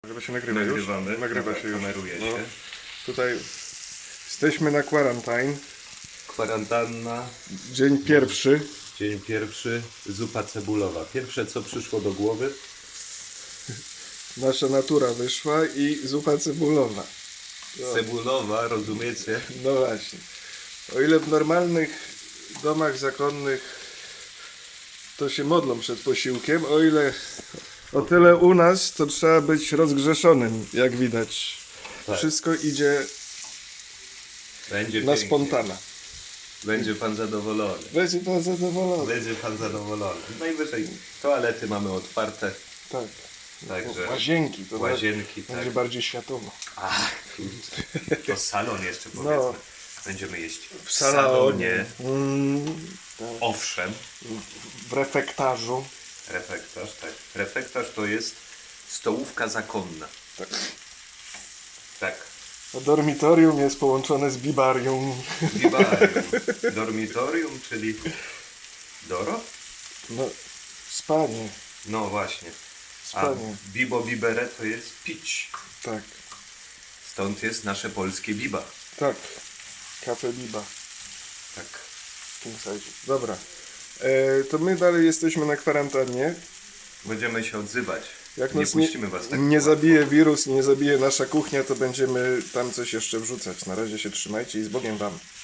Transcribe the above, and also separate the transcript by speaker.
Speaker 1: Chyba się nagrywa już?
Speaker 2: Nagrywamy.
Speaker 1: Nagrywa
Speaker 2: Dobra,
Speaker 1: się już.
Speaker 2: kameruje
Speaker 1: No.
Speaker 2: się.
Speaker 1: Tutaj jesteśmy na quarantine.
Speaker 2: Kwarantanna,
Speaker 1: Dzień pierwszy.
Speaker 2: dzień pierwszy, zupa cebulowa. Pierwsze co przyszło do głowy.
Speaker 1: Nasza natura wyszła i zupa cebulowa. No,
Speaker 2: Cebulowa, rozumiecie?
Speaker 1: no właśnie. O ile w normalnych domach zakonnych to się modlą przed posiłkiem, o tyle u nas to trzeba być rozgrzeszonym, jak widać.
Speaker 2: Tak.
Speaker 1: Wszystko idzie
Speaker 2: Będzie
Speaker 1: na
Speaker 2: pięknie.
Speaker 1: spontana.
Speaker 2: Będzie pan zadowolony.
Speaker 1: Będzie pan zadowolony.
Speaker 2: Będzie pan zadowolony. Najwyżej toalety mamy otwarte.
Speaker 1: Tak.
Speaker 2: Także
Speaker 1: Łazienki. To
Speaker 2: łazienki,
Speaker 1: będzie
Speaker 2: tak.
Speaker 1: bardziej światowo.
Speaker 2: Ach, kurczę. To salon jeszcze powiedzmy.
Speaker 1: No.
Speaker 2: Będziemy jeść w
Speaker 1: salonie.
Speaker 2: salonie.
Speaker 1: Tak.
Speaker 2: Owszem.
Speaker 1: W refektarzu.
Speaker 2: Refektarz, tak. Refektarz to jest stołówka zakonna.
Speaker 1: Tak.
Speaker 2: Tak.
Speaker 1: A dormitorium jest połączone z bibarium.
Speaker 2: Bibarium. Dormitorium, czyli Doro?
Speaker 1: No, spanie.
Speaker 2: No właśnie. A
Speaker 1: Spanie.
Speaker 2: bibo bibere to jest pić.
Speaker 1: Tak.
Speaker 2: Stąd jest nasze polskie biba.
Speaker 1: Tak. Kafe biba.
Speaker 2: Tak.
Speaker 1: King size. Dobra. To my dalej jesteśmy na kwarantannie.
Speaker 2: Będziemy się odzywać.
Speaker 1: Jak
Speaker 2: Nie
Speaker 1: nas
Speaker 2: puścimy was tak
Speaker 1: nie
Speaker 2: łatwo.
Speaker 1: zabije wirus, nie zabije nasza kuchnia, to będziemy tam coś jeszcze wrzucać. Na razie się trzymajcie i z Bogiem wam.